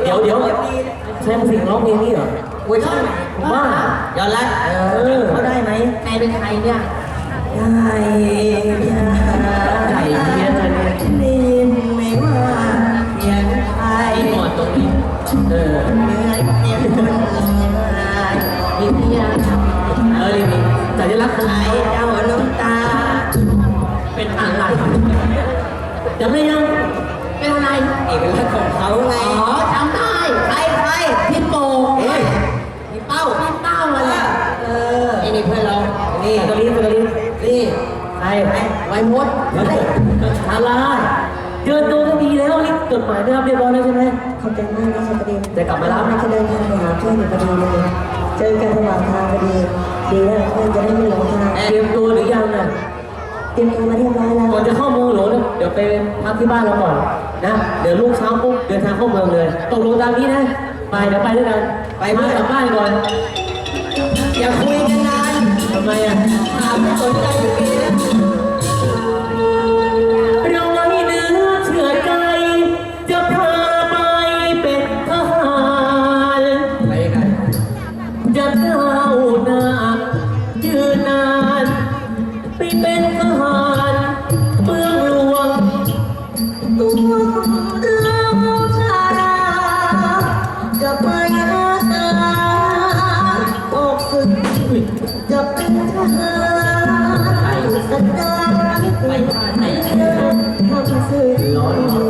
ยวใช่สิ่งร้องเพลงนี้เหรอเวอร์ชันไหนผมว่าย้อนรัดเขาได้ไหมใครเป็นใครเนี่ยได้ยาใจเพี้ยนเลยเนี่ยได้ยินไหมว่าเสียงใครหมดตรงนี้เหมือนเสียงคนมีเพียงนี่สัญลักษณ์ของไอ้ไทยเจ้าน้ำตาเป็นอะไรจำได้ยังเป็นอะไรเอกลักษณ์ของเขาไงอ๋อจำได้ใครพี่โป่งพี่เป้าอะไรไอ้นี่เพื่อนเรานี่สกรีนี่ไอ้ไวมดอะไรเจอตัวก็ดีแล้วนี่จดหมายได้รับเรียบร้อยแล้วใช่ไหมขอบใจมากนะชาประเด็นจะกลับมารับจะเดินทางไปหาเพื่อนอยู่พอดีเลยเจอกันระหว่างทางพอดีดีแล้วเพื่อนจะได้ไม่หลงทางเตรียมตัวหรือยังน่ะเตรียมตัวมาเรียบร้อยแล้วก่อนจะเข้าเมืองหลวงนะเดี๋ยวไปพักที่บ้านเราก่อนนะเดี๋ยวลูกเช้าปุ๊บเดินทางเข้าเมืองเลยตกลงตามนี้นะไปเดี๋ยวไปด้วยกันไปมากลับบ้านก่อนอย่าคุยกันนานทำไมอ่ะถามไม่สนใจอยู่ดีนะเราไว้เนื้อเชื่อใจจะพาไปเป็นทหารไปกันจะก้าวหน้ายืนนานไปเป็นทหารเมืองหลวงตัวเราชาดาจะไปหาตาออกฝึกจะเป็นทหารสันดานไม่เป็นทำสื่อร้อน